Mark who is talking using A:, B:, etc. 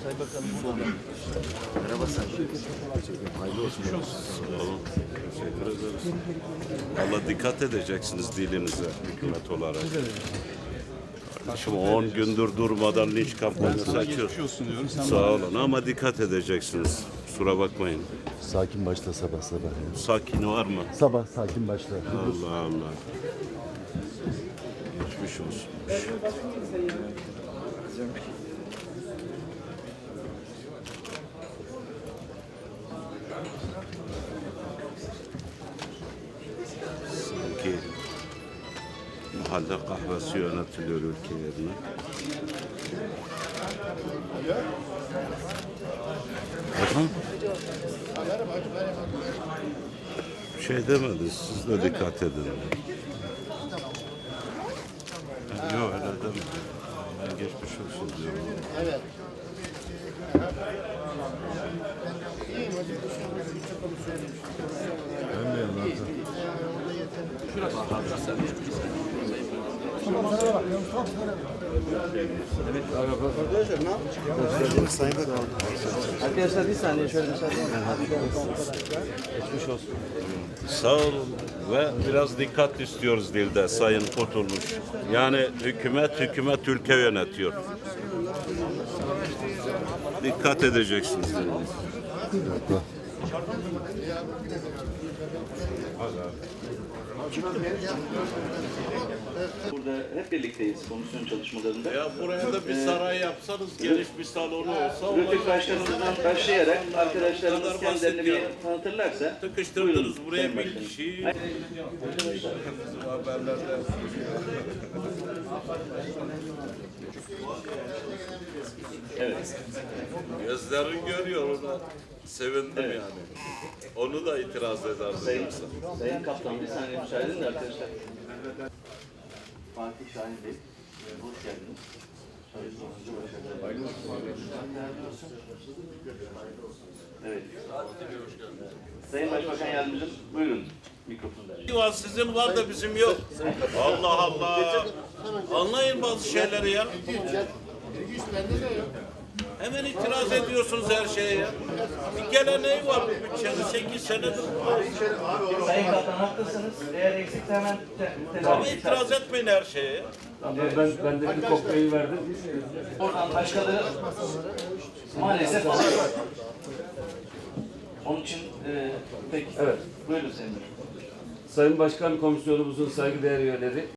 A: Sayın Bakanım burada. Merhaba Sayın. Hayırlı olsun.
B: Sağ olun. Teşekkür ederiz. Valla dikkat edeceksiniz dilinize hükümet olarak. Şimdi 10 gündür durmadan linç kampanyası açıyor. Sağ olun ama dikkat edeceksiniz. Kusura bakmayın.
A: Sakin başla sabah sabah.
B: Sakin var mı?
A: Sabah sakin başla.
B: Allah Allah. Geçmiş olsun. Sanki mahalle kahvesi yönetiliyor ülke yerine. Efendim? Bir şey demediniz, siz de dikkat edin. Yok öyle demedim. Ben geçmiş olsun diyorum. Evet.
C: Arkadaşlar bir saniye şöyle müsaade edin.
A: Geçmiş olsun.
B: Sağ olun ve biraz dikkat istiyoruz dilde Sayın Kurtulmuş. Yani hükümet ülke yönetiyor. Dikkat edeceksiniz.
D: Burada hep birlikteyiz komisyon çalışmalarında.
B: Ya buraya da bir saray yapsanız, geniş bir salonu olsa...
D: Rütük Başkanımızdan başlayarak arkadaşlarımız kendilerini bir tanıtırlarsa...
B: Tıkıştırdınız buraya bir kişiyi.
D: Evet.
B: Gözlerin görüyor ona. Sevindim
D: Evet.
B: yani. Onu da itiraz ederdim.
D: Sayın Kaptan bir saniye müsaade edin de arkadaşlar. Fatih Şahin Bey, hoş geldiniz. Evet. Sayın Başbakan Yardımcım, buyurun mikrofonu.
B: Var sizin var da bizim yok. Allah Allah. Anlayın bazı şeyleri ya. Hemen itiraz ediyorsunuz her şeye ya. Bir geleneği var bu bütçenin 8 senedir.
C: Sayın Kaptan haklısınız. Eğer eksikse hemen
B: Ama
C: telafi
B: itiraz etmeyin her şeye ya.
E: Ben de bir kokteyl verdim.
C: Oradan başkaları maalesef alıyor. Onun için peki.
E: Evet.
C: Buyurun Sayın Başkan.
E: Sayın Başkan Komisyonumuzun saygıdeğer üyeleri,